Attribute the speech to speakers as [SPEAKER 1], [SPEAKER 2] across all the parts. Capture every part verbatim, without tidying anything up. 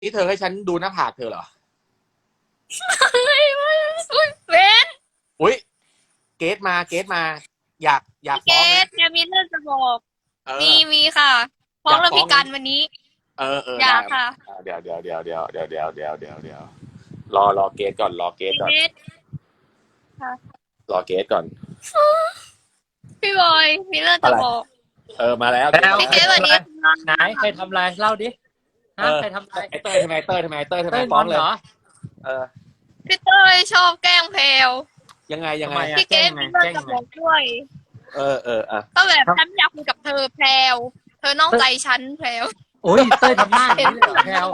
[SPEAKER 1] นี่เธอให้ฉันดูหน้าผากเธอเหรอ
[SPEAKER 2] ไม่ไม่ไม่เป็น
[SPEAKER 1] อุ้ยเกตมาเกตมา อยากอยาก
[SPEAKER 2] เก
[SPEAKER 1] ฟ้องนะ
[SPEAKER 2] ดเนี่ยมีเรื่องจะบอก
[SPEAKER 1] เอ
[SPEAKER 2] มี
[SPEAKER 1] อ
[SPEAKER 2] มีค่ะฟ้องเรื่อง
[SPEAKER 1] อยากฟ้องนะ
[SPEAKER 2] พี่กันวันนี้
[SPEAKER 1] เออเออได้
[SPEAKER 2] อยากค่ะ
[SPEAKER 1] เดี๋ยวเดี๋ยวเดี๋ยวเดี๋ยวเดี๋ยวเดี๋ยวเดี๋ยวเดี๋ยวเดี๋ยวรอรอเกตก่อนรอเกตก่อน
[SPEAKER 2] เกดค่ะ
[SPEAKER 1] รอเกตก่อน
[SPEAKER 2] พี่บอยมีเรื่องจะบอก
[SPEAKER 1] เออมาแล้ว
[SPEAKER 3] แล้ว
[SPEAKER 2] พี่เกดวันนี้
[SPEAKER 3] ไหนใครทำอะไรเล่าดิฮะใครทำอะไร
[SPEAKER 1] ไอเต้ยทำไมเต้ยทำไมเต้ยทำไม
[SPEAKER 3] เต้ย
[SPEAKER 1] ฟ้
[SPEAKER 3] ง
[SPEAKER 1] อ
[SPEAKER 3] อง น
[SPEAKER 1] เลย
[SPEAKER 3] เหรอ
[SPEAKER 1] เออ
[SPEAKER 2] พี่เต้ยชอบแกล้งแพลว
[SPEAKER 1] ยังไงยังไง
[SPEAKER 3] ทำไมอะ
[SPEAKER 2] พี่เกดมีเรื่องจะบอกด้วย
[SPEAKER 1] เออเอออ่ะ
[SPEAKER 2] ก็แบบฉันอยากคุยกับเธอแพลวเธอนอกใจฉันแพลว
[SPEAKER 3] โอ้ยเต้ยทำหน้าอย่างนี้เลยเหรอแพลว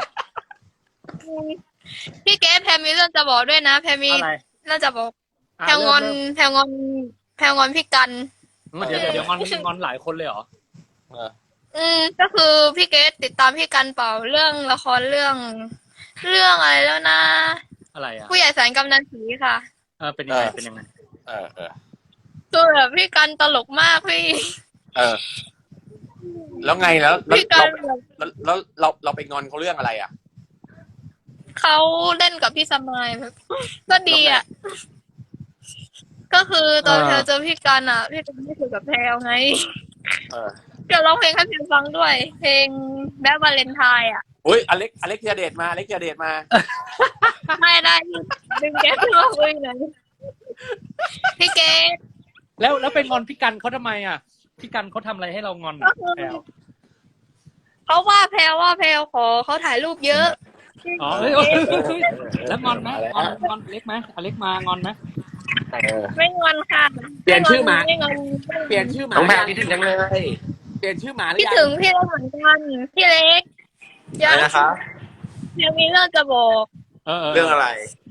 [SPEAKER 2] พี่เกดแพลมีเรื่องจะบอกด้วยนะแพลมี
[SPEAKER 3] อะไร
[SPEAKER 2] เรื่องจะบอก
[SPEAKER 3] อ่ะ
[SPEAKER 2] แพลงอน
[SPEAKER 3] เริ่ม
[SPEAKER 2] แพลงอนแพลงอนพี่กัน
[SPEAKER 3] เริ่มเดี๋ยวเดี๋ยวเดี๋ยวงอนงอนหลายคนเลยเหรอ
[SPEAKER 1] เออ
[SPEAKER 2] อืมก็คือพี่เกดติดตามพี่กันเปล่าเรื่องละครเรื่อง เรื่องอะไรแล้วนะ
[SPEAKER 3] อะไรอ่ะ
[SPEAKER 2] ผู้ใหญ่แสนกำนันสีค่ะ
[SPEAKER 3] เออเป็นยังไงเป็นยังไง
[SPEAKER 1] เออเออ
[SPEAKER 2] คือแบบพี่กันตลกมากพี่
[SPEAKER 1] เออ แล้วไงแล้วแล้ว
[SPEAKER 2] พี่กั
[SPEAKER 1] เรา
[SPEAKER 2] นแบบ
[SPEAKER 1] แล้วแล้วเราเราไปงอนเขาเรื่องอะไรอ่ะ
[SPEAKER 2] เขาเล่นกับพี่สมายแบบก็ดีอ่ะ ก็คือตอนแพลเจอพี่กันอ่ะ พี่กันไม่คุยกับแพลไง
[SPEAKER 1] เออ
[SPEAKER 2] เดี๋ยวร้องเพลงให้แพลฟังด้วย เพลงแบดวาเลนไทน์อ่ะ
[SPEAKER 1] อุ้ยอเล็กอเล็กเทียเดตมาอเล็กเทียเดตมา
[SPEAKER 2] ไม่ได้ดึงแกขึ้นมาคุยหน่อยพี่เกด
[SPEAKER 3] แล้วแล้วเป็นงอนพี่กันเขาทำไมอ่ะพี่กันเขาทำอะไรให้เรางอน
[SPEAKER 2] ก็
[SPEAKER 3] อ่ะ
[SPEAKER 2] คือ
[SPEAKER 3] แพลว
[SPEAKER 2] เขาว่าแพลว่าแพลขอเขาถ่ายรูปเยอะ
[SPEAKER 3] อ๋อเฮ้ยเฮ้ยเฮ้ยเฮ้ยแล้วงอนไหมงอนงอนอเล็กไหมอเล็กมางอนไหม
[SPEAKER 1] เออ
[SPEAKER 2] ไม่งอนค่ะ
[SPEAKER 1] เปลี่ยนชื่อหมา
[SPEAKER 2] ไม่งอน
[SPEAKER 1] เปลี่ยนชื่อหมา
[SPEAKER 3] น้องแพล
[SPEAKER 1] ยั
[SPEAKER 3] คิดถึงจังเลย
[SPEAKER 1] เปลี่ยนชื่อหมาหรือ
[SPEAKER 2] พี่
[SPEAKER 1] ยัง
[SPEAKER 2] ถึงพี่เล็กเหมือนกันพี่เล็กยัง
[SPEAKER 4] อะไรนะคะ
[SPEAKER 2] ยังมีเรื่องจะบอก
[SPEAKER 3] เออเออ
[SPEAKER 4] เรื่องอะไร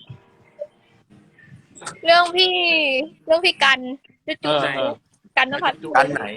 [SPEAKER 2] เรื่องพี่ เรื่องพี่กันจุ
[SPEAKER 3] เออเออ
[SPEAKER 2] ๆกันนภัส
[SPEAKER 4] กันไหน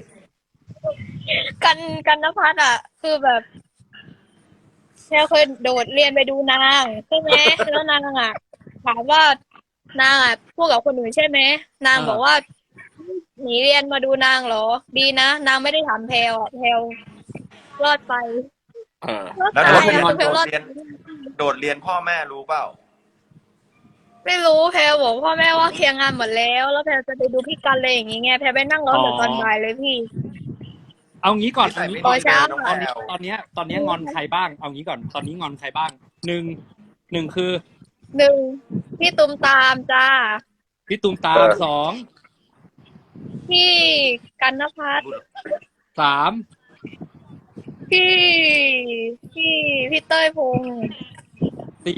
[SPEAKER 2] กันกันนภัสอ่ะ คือแบบแค่เคยโดดเรียนไปดูนางใช่ไหมแล้วนางอ่ะถามว่านางอ่ะพูดกับคนอื่นใช่ไหมนางบอกว่าหนีเรียนมาดูนางเหรอ ดีนะนางไม่ได้ถามแพลวอ่ะแพลวรอดไป
[SPEAKER 1] เออ
[SPEAKER 2] รอด
[SPEAKER 4] แล้ว
[SPEAKER 2] ไป
[SPEAKER 4] โดดเรียน
[SPEAKER 2] อ่ะแพลวรอด
[SPEAKER 4] โดดเรียน โดดเรียนพ่อแม่รู้เปล่า
[SPEAKER 2] ไม่รู้แพลวบอกพ่อแม่ว่าเคลียร์งานหมดแล้ว แล้วแพลวจะไปดูพี่กันเลยอย่างงี้ไงแพลวไปนั่งรอถึงตอนบ่ายเลยพี่
[SPEAKER 3] เอางี้ก่อน
[SPEAKER 4] ใส่
[SPEAKER 3] เอา
[SPEAKER 4] ไม่
[SPEAKER 3] งี้
[SPEAKER 4] ดี
[SPEAKER 3] ก่อน
[SPEAKER 2] เช้า
[SPEAKER 4] น้อง
[SPEAKER 3] ตอน
[SPEAKER 4] แพ
[SPEAKER 3] นี้
[SPEAKER 4] ลว
[SPEAKER 3] ตอนเนี้ยตอนเนี้ยงอนใครบ้างเอางี้ก่อนตอนนี้งอนใครบ้างหนึ่งหนึ่งคือ
[SPEAKER 2] หนึ่งพี่ตุมตามจ้า
[SPEAKER 3] พี่ตูมตาม
[SPEAKER 4] เออ
[SPEAKER 3] สอง
[SPEAKER 2] พี่กันนภัส
[SPEAKER 3] สาม
[SPEAKER 2] พี่พี่พี่เต้ยพงษ์
[SPEAKER 3] สี่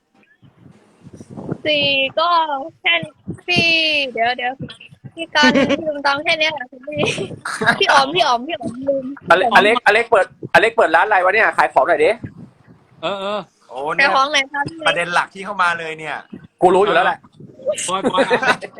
[SPEAKER 2] สี่ก็แค่พี่เดี๋ยวเดี๋ยวพี่กันพี่ตุมตามแค่เนี้ยแหละพี่พี่อ๋อมพี่อ๋อมพี่อ๋อมลืม
[SPEAKER 1] อเล็กอเล็กอเล็กเปิดอเล็กเปิดร้านอะไรวะเนี่ยขายของหน่อยดิ
[SPEAKER 3] เออเออ
[SPEAKER 4] โอ้
[SPEAKER 2] แต่
[SPEAKER 4] เนี่ย
[SPEAKER 2] ของไหนคะพี่
[SPEAKER 4] ประเด็นหลักที่เข้ามาเลยเนี่ย
[SPEAKER 1] กูรู้อยู่แล้วแหละ
[SPEAKER 3] บอยบอยเอา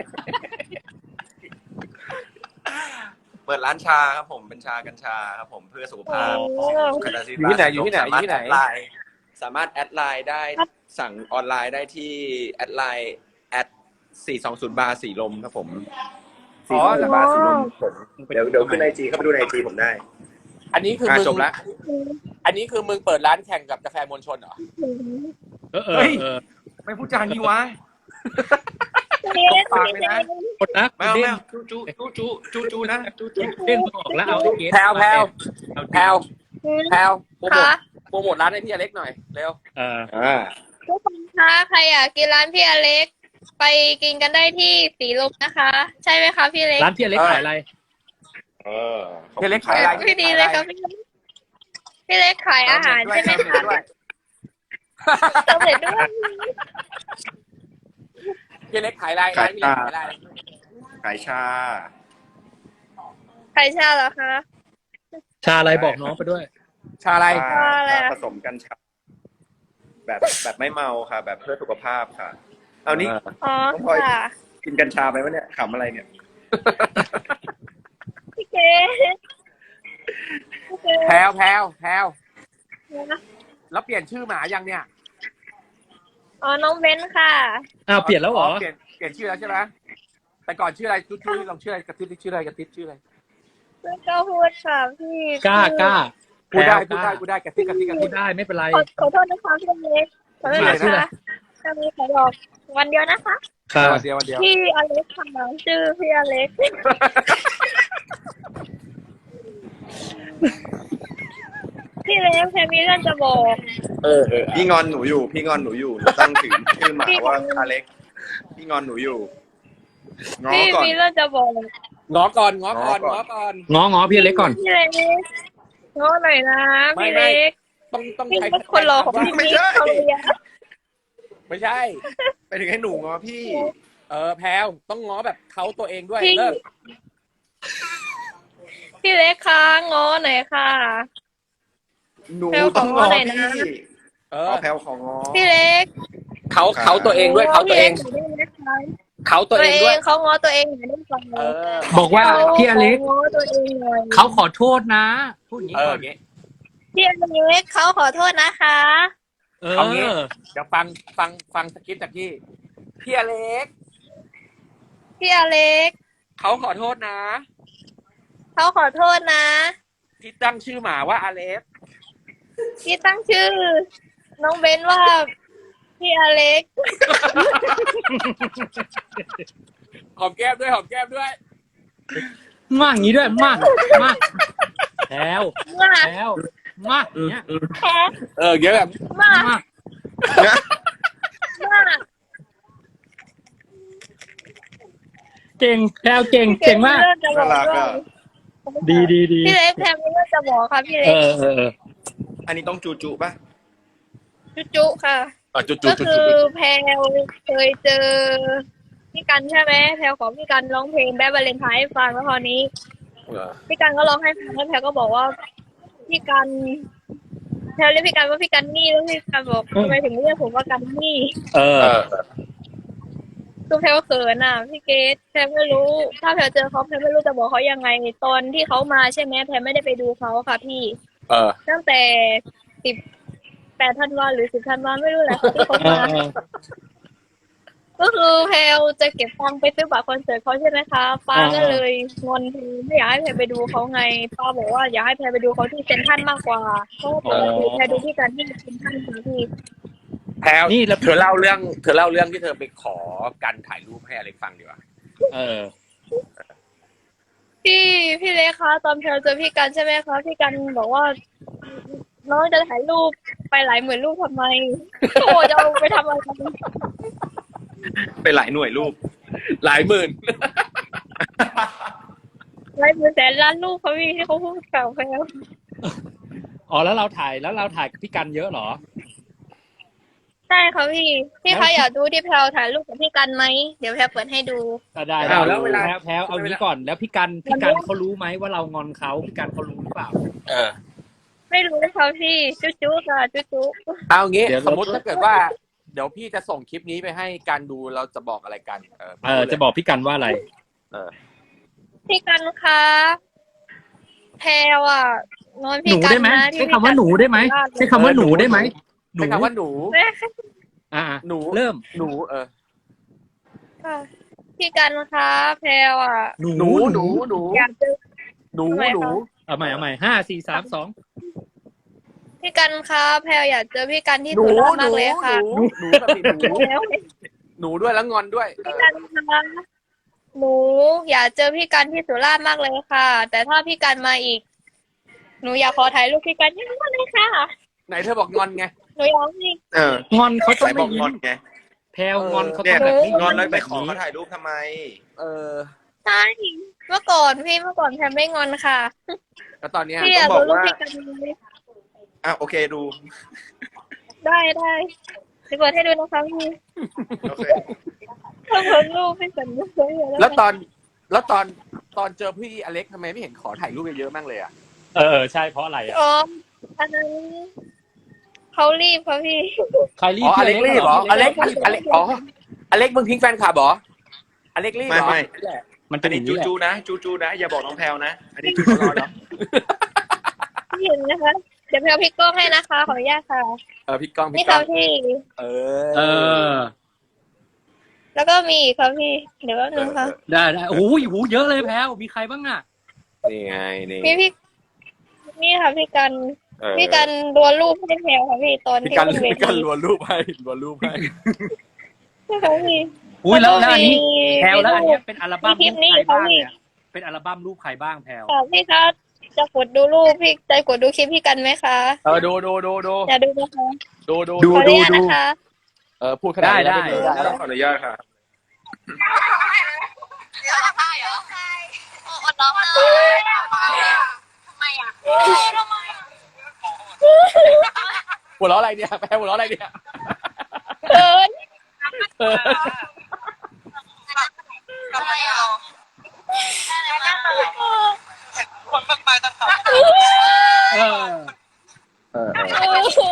[SPEAKER 4] เปิดร้านชาครับผม เป็นชากัญชาครับผมเพื่อสุขภาพ
[SPEAKER 2] โอ้
[SPEAKER 4] คณะศิล
[SPEAKER 1] อยู่ที่ไหนอยู่ที่ไหนอยู่ที่ไหน
[SPEAKER 4] สามารถแอดไลน์ได้สั่งออนไลน์ได้ที่แอดไลน์แอดสี่สองศูนย์บาร์สีลมครับผมสี่สองศูนย์บาร์สีลมผมเดี๋ยวเดี๋ยวขึ้นไอจีเข้าไปดูในไอจีผมได้
[SPEAKER 1] อันนี้คือ
[SPEAKER 4] อ่ะ
[SPEAKER 1] มึง
[SPEAKER 4] จบละ
[SPEAKER 1] อันนี้คือมึงเปิดร้านแข่งกับกาแฟมวลชนเหรอ
[SPEAKER 3] เออเอ
[SPEAKER 4] เฮ้
[SPEAKER 3] อย เออ
[SPEAKER 4] ไม่พูดจางี้วะ
[SPEAKER 2] เจ๊
[SPEAKER 4] ปากเลยนะ
[SPEAKER 3] กดนะ
[SPEAKER 4] ไม่เอา
[SPEAKER 3] เด้
[SPEAKER 4] ไม่
[SPEAKER 3] ง
[SPEAKER 4] เอาจูจูจูจูจูจูนะจูจู
[SPEAKER 3] เด้งออกแล้วเอาไอ้เกส
[SPEAKER 1] แพลวแพลว
[SPEAKER 3] เอา
[SPEAKER 1] แพลวแพลวโปรโมท
[SPEAKER 2] คะ
[SPEAKER 1] โปรโมทร้านให้พี่อเล็กหน่อยเร็ว
[SPEAKER 3] เออ
[SPEAKER 4] อ่า
[SPEAKER 2] ทุกคนคะใครอยากกินร้านพี่อเล็ก ไปกินกันได้ที่สีลมนะคะ ใช่ไหมคะพี่เล็ก
[SPEAKER 3] ร้านพี่อเล็กขายอะไร
[SPEAKER 4] เออ
[SPEAKER 1] พี่อเล็กขายอะไร
[SPEAKER 2] พี่ดีเลยครับพี่เล็กพี่เล็กขายอาหารใช่ไหมคะ
[SPEAKER 1] ด้วย
[SPEAKER 2] เติมเด็ดด้วย
[SPEAKER 1] พี่อเล็กขายอะไรร้านพี่อเล็กขายอะไร
[SPEAKER 4] ขายชา
[SPEAKER 2] ใครชาเหรอคะ
[SPEAKER 3] ชาอะไรบอกน้องไปด้วย
[SPEAKER 1] ชาอะไร
[SPEAKER 4] ชา
[SPEAKER 2] อะไรอะ
[SPEAKER 4] ผสมกัญชาแบบแบบไม่เมาค่ะ แบบเพื่อสุขภาพค่ะ เอานี้
[SPEAKER 2] อ๋อ
[SPEAKER 4] น้องพลอย
[SPEAKER 2] ค่ะ
[SPEAKER 4] กินกัญชาไปวะเนี่ยขำอะไรเนี่ย
[SPEAKER 2] พี่เก๋พี่เก๋
[SPEAKER 1] แพลวแพลวแพลวแล้วเปลี่ยนชื่อหมายังเนี่ย
[SPEAKER 2] อ๋อน้องเบนค่ะ
[SPEAKER 3] อ้าวเปลี่ยนแล้วเหรอ
[SPEAKER 1] เปลี่ยนเปลี่ยนชื่อแล้วใช่ไหมแต่ก่อนชื่ออะไรจุ๊จุ๊ลองชื่ออะไรกระติ๊บชื่ออะไรกระติ๊บชื่ออะไร
[SPEAKER 2] พี่ก็พูดค่ะพี่
[SPEAKER 3] กล้ากล้า
[SPEAKER 1] พูดได้
[SPEAKER 3] แพรว
[SPEAKER 1] พูดได้พูดได้กระซิบกระซิบกระซิ
[SPEAKER 3] พู
[SPEAKER 1] บ
[SPEAKER 3] ดได้ไม่เป็นไร
[SPEAKER 2] ขอขอโทษนะคะพี่เล็กขอโทษนะ
[SPEAKER 1] ชื่ออะไร
[SPEAKER 2] คะจะมีขอบอกวันเดียวนะคะ
[SPEAKER 3] ค่ะ
[SPEAKER 1] วันเดียววันเดียว
[SPEAKER 2] พี่อเล็กค่ะชื่อพี่อเล็กพี่เล็กแพรมีเรื่องจะบอก
[SPEAKER 1] เออเออ
[SPEAKER 4] พี่งอนหนูอยู่ พี่งอนหนูอยู่หนูตั้งถึงชื่อหมาว่าอเล็กพี่งอนหนูอยู่ง้อ
[SPEAKER 2] พี่
[SPEAKER 4] ก่อน
[SPEAKER 2] มีเรื่องจะบอก
[SPEAKER 1] ง้อก่อนง้อก่อน
[SPEAKER 4] ง้
[SPEAKER 1] ง้
[SPEAKER 4] อ
[SPEAKER 1] อ
[SPEAKER 4] ก่
[SPEAKER 1] ก่
[SPEAKER 4] อ
[SPEAKER 1] อน น
[SPEAKER 3] ง้อง้อพี่อเล็กก่อน
[SPEAKER 2] พี่เล็กง้อหน่อยนะ
[SPEAKER 1] ไม่
[SPEAKER 2] พี่
[SPEAKER 1] ไม่
[SPEAKER 2] เล็ก
[SPEAKER 1] ต้องต้อง
[SPEAKER 2] พี่
[SPEAKER 1] ใช้
[SPEAKER 2] เป็นคนรอของพี่
[SPEAKER 4] ไม่
[SPEAKER 2] นิด
[SPEAKER 4] ใช่
[SPEAKER 2] เขาเลยอะ
[SPEAKER 1] ไม่ใช่
[SPEAKER 4] ไปถึงให้หนูง้อพี่
[SPEAKER 1] เออแพลวต้องง้อแบบเขาตัวเองด้วย
[SPEAKER 2] พี่
[SPEAKER 1] เลิก
[SPEAKER 2] พี่เล็กคะง้อหน่อยค่ะ
[SPEAKER 4] หนู
[SPEAKER 2] แพรว
[SPEAKER 4] ต้องง้อ
[SPEAKER 2] ขอหน่อยนะ
[SPEAKER 4] พี่
[SPEAKER 1] เอ
[SPEAKER 4] ข
[SPEAKER 1] อ
[SPEAKER 4] อแพลวของง้อ
[SPEAKER 2] พี่เล็ก
[SPEAKER 1] เขาเขาตัวเองด้วยเขาตัวเอง
[SPEAKER 2] พี่ล็กหน่อยได้ไหมคะ
[SPEAKER 1] เขาตัว
[SPEAKER 2] ตัว
[SPEAKER 1] เอง
[SPEAKER 2] เอ
[SPEAKER 1] ด้วย
[SPEAKER 2] งเขาง้อตัวเองหน่อยได้ไหม
[SPEAKER 1] เออ
[SPEAKER 3] บอกว่าพี่อเล็ก
[SPEAKER 2] ขาง้อตัวเองหน่อย
[SPEAKER 3] เขาขอโทษนะพูดอย่างนี้
[SPEAKER 1] เออ
[SPEAKER 3] ก่อ
[SPEAKER 1] อน ย่างงี้
[SPEAKER 2] พี่อเล็กเขาขอโทษนะคะ
[SPEAKER 3] เอ
[SPEAKER 1] เอางี้
[SPEAKER 3] อ
[SPEAKER 1] เดี๋ยวฟังฟังฟังสคริปต์จากพี่พี่อเล็ก
[SPEAKER 2] พี่อเล็ก
[SPEAKER 1] เขาขอโทษนะ
[SPEAKER 2] เขาขอโทษนะ
[SPEAKER 1] ที่ตั้งชื่อหมาว่าอเล็ก
[SPEAKER 2] พี่ตั้งชื่อ น้องเบนว่าพี่อเล็ก
[SPEAKER 1] หอมแก้มด้วยหอมแก้มด้วย
[SPEAKER 3] มากอย่างนี้ด้วยมากมากแล้ว
[SPEAKER 2] มาก
[SPEAKER 3] แล้วมากอย่างเนี้ย
[SPEAKER 2] แพ้
[SPEAKER 1] เออเยอะแบบ
[SPEAKER 2] มาก
[SPEAKER 3] มาก
[SPEAKER 2] มาก
[SPEAKER 3] เก่งแพลวเก่งเก่งมาก
[SPEAKER 2] พี่เล็จะบ
[SPEAKER 4] น่า
[SPEAKER 2] อก
[SPEAKER 4] รัก
[SPEAKER 2] ด้วย
[SPEAKER 4] อ่ะ
[SPEAKER 3] ดีดีดี
[SPEAKER 2] พี่เล็กแพรมีเรื่องจะบอกค่ะพี่
[SPEAKER 3] เอ
[SPEAKER 2] เล็ก
[SPEAKER 3] อเออเออ
[SPEAKER 4] อันนี้ต้องจูจูป่ะ
[SPEAKER 2] จุจุค่ะ
[SPEAKER 1] อ่ะจุดจุ
[SPEAKER 2] ก็
[SPEAKER 1] ดจุด
[SPEAKER 2] คื
[SPEAKER 1] จุ
[SPEAKER 2] อ
[SPEAKER 1] ด
[SPEAKER 2] แพรเคยเจอพี่กันใช่ไหมแพรขอพี่กันร้องเพลงแบดวาเลนไทน์ให้ฟังแล้วคราวนี้
[SPEAKER 1] เออ
[SPEAKER 2] พี่กันก็ร้องให้ฟังแล้วแพรก็บอกว่าพี่กันแพรเรียกพี่กันว่าพี่กันนี่แล้วพี่กันบอกทำไมถึงเรียกผมว่ากันนี่
[SPEAKER 3] เออ
[SPEAKER 1] เออ
[SPEAKER 2] คือแพรเขินอ่ะพี่เกดแพรไม่รู้ ถ้าแพรเจอเขาแพรไม่รู้จะบอกเขายังไงตอนที่เขามาใช่ไหมแพรไม่ได้ไปดูเขาค่ะพี่
[SPEAKER 1] เออ
[SPEAKER 2] ตั้งแต่สิบแปดธันวาหรือสิบธันวาไม่รู้แหละที่เขา
[SPEAKER 3] เอ
[SPEAKER 2] มา
[SPEAKER 3] อเออ
[SPEAKER 2] ก็คือแพลจะเก็บตังค์ไปซื้อบัตรคอนเสิร์ตเขาใช่ไหมคะป้าก็เลยงอนแพรไม่อยากให้แพรไปดูเขาไงป้าบอกว่าอยากให้แพรไปดูเขาที่เซ็นทรัลมากกว่าเพราะว่าปกติแพรดูที่การที่เซ็นทรัลค่ะพี่
[SPEAKER 1] แพลว
[SPEAKER 3] นี่แล้ว
[SPEAKER 1] เธอเล่าเรื่องเธอเล่าเรื่องที่เธอไปขอกันถ่ายรูปให้อเล็กฟังดีกว่า
[SPEAKER 3] เออ
[SPEAKER 2] พี่พี่เล็กคะตอนแพลเจอพี่กันใช่ไหมคะพี่กันบอกว่า น้องจะถ่ายรูปไปหลายหมื่นรูปทำไมโอ้จะเอาไปทำอะไรกัน
[SPEAKER 4] ไปหลายหน่วยรูป
[SPEAKER 1] หลายหมื่น
[SPEAKER 2] หลายหมื่นแสนล้านรูปเขาพี่ที่เขาพูดกับแพล
[SPEAKER 3] อ๋อแล้วเราถ่ายแล้วเราถ่ายกับพี่กันเยอะเหรอ
[SPEAKER 2] ใช่ค่ะพี่พี่คะอยากดูที่แพลถ่ายรูปกับพี่กันไหมเดี๋ยวแพลเปิดให้ดู
[SPEAKER 3] ก็ได้
[SPEAKER 1] อ้าวแล้วเวลา
[SPEAKER 3] แพรวแพรวเอางี้ก่อนแล้วพี่กันพี่กันเขารู้ไหมว่าเรางอนเขาพี่กันเขารู้หรือเปล่า
[SPEAKER 1] เออ
[SPEAKER 2] ไม่รู้ค่ะพี่จุ๊จุ๊ค่ะจุ๊จุ๊
[SPEAKER 1] เอางี้
[SPEAKER 3] เดี๋ยว
[SPEAKER 1] สมมติถ้าเกิดว่า เดี๋ยวพี่จะส่งคลิปนี้ไปให้การดูเราจะบอกอะไรกัน เออ
[SPEAKER 3] เออจะบอกพี่กันว่าอะไร
[SPEAKER 1] เออ
[SPEAKER 2] พี่กันคะแพลอ่ะนอน
[SPEAKER 3] ห
[SPEAKER 2] พี่
[SPEAKER 3] นู
[SPEAKER 2] กัน
[SPEAKER 3] ได้ไหม
[SPEAKER 2] นะที่
[SPEAKER 3] ใช้คำว่าหนูได้ไหมใช้คำว่าหนูได้ไหมหนู
[SPEAKER 1] ใช้คำว่าหนู
[SPEAKER 2] แม่
[SPEAKER 3] อ่า
[SPEAKER 1] หนู
[SPEAKER 3] เริ่ม
[SPEAKER 1] หนู เออ
[SPEAKER 2] ค่ะพี่กันคะแพลอ่ะ
[SPEAKER 3] หนู
[SPEAKER 1] หนู หนู หนู
[SPEAKER 2] อยากเจอ
[SPEAKER 1] หนู
[SPEAKER 2] ทำไมคะ
[SPEAKER 1] หนู
[SPEAKER 3] เอาใหม่เอาใหม่ห้าสี่สามสอง
[SPEAKER 2] พี่กันคะแพลอยากเจอพี่กันที่
[SPEAKER 1] หนู
[SPEAKER 2] สุราษฎร์
[SPEAKER 1] ห
[SPEAKER 2] มา
[SPEAKER 1] นู
[SPEAKER 2] กเลยค่ะ
[SPEAKER 1] หนูหนูแบบนี้หนู
[SPEAKER 2] แล้ว
[SPEAKER 1] หนูด้วยแล้วงอนด้วย เอ
[SPEAKER 2] พี่
[SPEAKER 1] อ
[SPEAKER 2] กันคะหนูอยากเจอพี่กันที่สุราษฎร์มากเลยค่ะ แต่ถ้าพี่กันมาอีก หนูอยากขอถ่ายรูปพี่กันเยอะๆเลยค่ะ
[SPEAKER 1] ไหนเธอบอกงอนไง
[SPEAKER 2] หนูอยากให้
[SPEAKER 4] เออง
[SPEAKER 3] อนเขาต้อ
[SPEAKER 4] ใส่
[SPEAKER 3] ง
[SPEAKER 4] บ
[SPEAKER 3] ไม่
[SPEAKER 4] อก
[SPEAKER 3] ยิ้
[SPEAKER 4] งอน
[SPEAKER 3] ม
[SPEAKER 4] ไง
[SPEAKER 3] แพรวงอนเขา
[SPEAKER 4] เนี่
[SPEAKER 3] ต้อย งแบบไม่
[SPEAKER 4] งอนแล้วไป
[SPEAKER 3] ยิ้ม
[SPEAKER 4] ขอ
[SPEAKER 3] แบบ
[SPEAKER 4] เขา
[SPEAKER 3] นี้
[SPEAKER 4] ถ่ายรูปทำไม
[SPEAKER 1] เออ
[SPEAKER 2] ใช่เมื่อก่อนพี่เมื่อก่อนแพมไม่งอนค่ะ
[SPEAKER 1] แล้วตอนเนี้ย
[SPEAKER 2] พี่อยาก
[SPEAKER 4] ต้องบ
[SPEAKER 2] รู้
[SPEAKER 4] อก
[SPEAKER 2] รูป
[SPEAKER 4] ว่า
[SPEAKER 2] พี่กันไหม
[SPEAKER 4] อ่ะโอเคดู
[SPEAKER 2] ได้ได้เดี๋ยวเปิดให้ดูนะคะพี่
[SPEAKER 4] โอเค
[SPEAKER 2] ถ้าเปิดรูปพี่กันไม่เคยเห็น
[SPEAKER 1] แล้วตอน แล้วตอน ตอนเจอพี่อเล็กทำไมไม่เห็นขอถ่ายรูปเยอะๆมั่งเลยอ่ะ
[SPEAKER 3] เออใช่เพราะอะไรอ่ะ
[SPEAKER 2] อ๋ออันนั้นเขารีบค่ะพี่
[SPEAKER 3] ใครรีบ
[SPEAKER 1] อ๋ออ
[SPEAKER 3] พี่
[SPEAKER 1] เล็กรีบเหรออเล็ก
[SPEAKER 3] รีบ
[SPEAKER 1] อเล็กอ๋ออเล็กมึงทิ้งแฟนคลับเหรออเล็กรีบ
[SPEAKER 4] ไม่
[SPEAKER 1] เหรอ
[SPEAKER 4] ไม่
[SPEAKER 3] มัน
[SPEAKER 4] อั
[SPEAKER 3] เป็น
[SPEAKER 4] น
[SPEAKER 3] อ
[SPEAKER 4] นี้
[SPEAKER 3] ย่าง
[SPEAKER 4] จู
[SPEAKER 3] นี้แหละ
[SPEAKER 4] จูนะจูจูนะอย่าบอกน้องแพลวนะ อันนี้จูรอเนาะ
[SPEAKER 2] พี่เห็นนะคะ เดี๋ยวแพลพลิกกล้องให้นะคะ ขออนุญาตค่ะ
[SPEAKER 1] เออพี่ก้อง
[SPEAKER 2] นี่
[SPEAKER 1] พี่ก้
[SPEAKER 2] ค่ะ
[SPEAKER 1] อง
[SPEAKER 2] พี่
[SPEAKER 1] เอ
[SPEAKER 3] เอ
[SPEAKER 1] อ
[SPEAKER 3] อ
[SPEAKER 2] แล้วก็มีอีกค่ะพี่ เดี๋ยวแป๊บนึงค่ะ
[SPEAKER 3] ได้ได้โอ้โหโอ้โหเยอะเลยแพรวมีใครบ้างอ่ะ
[SPEAKER 1] นี่ไงนี่
[SPEAKER 2] มีพี่นี่ค่ะพี่กัน
[SPEAKER 1] เออ
[SPEAKER 2] พี่กันดวลรูปให้แพลวค่ะพี่ตอน
[SPEAKER 1] พี่
[SPEAKER 2] ที่
[SPEAKER 1] กัน
[SPEAKER 2] ขึ้นเว
[SPEAKER 1] พี่กัน
[SPEAKER 2] ที
[SPEAKER 1] รัวรูปให้รัวรูปให้
[SPEAKER 2] ใช่ค่ะพี่
[SPEAKER 3] อุ้ยแล้วแล้วอันนี้
[SPEAKER 2] มี
[SPEAKER 3] แพลวแล้วอัน
[SPEAKER 2] มี
[SPEAKER 3] เนี้
[SPEAKER 2] รู
[SPEAKER 3] ย
[SPEAKER 2] ป
[SPEAKER 3] เป็นอัลบั้ม
[SPEAKER 2] มีคลิ
[SPEAKER 3] รู
[SPEAKER 2] ป
[SPEAKER 3] ป
[SPEAKER 2] นี้
[SPEAKER 3] ใครบ้าง
[SPEAKER 2] ค่ะพี่
[SPEAKER 3] เนี่ยเป็นอัลบั้มรูปใครบ้างแพลว
[SPEAKER 2] ค่ะพี่คะจะกดดูรูปพี่จะกดดูคลิปพี่กันไหมคะ
[SPEAKER 1] เออดูดูดูดู
[SPEAKER 2] อย่าดูนะคะ
[SPEAKER 1] ดูดู
[SPEAKER 3] ดู
[SPEAKER 2] ขออนุญาตนะคะ
[SPEAKER 1] เออพูดขนาดนี้
[SPEAKER 3] ได้
[SPEAKER 1] แล้ว
[SPEAKER 3] ได้
[SPEAKER 1] ม่ดูได้แล้ว
[SPEAKER 4] ขออนุญาตค่ะ
[SPEAKER 1] หัวเราะอะไรเนี่ยแพ้หัวเราะอะไรเนี่ย
[SPEAKER 2] เขิน
[SPEAKER 1] เออ
[SPEAKER 3] เออ
[SPEAKER 1] เออ
[SPEAKER 2] โอ้โห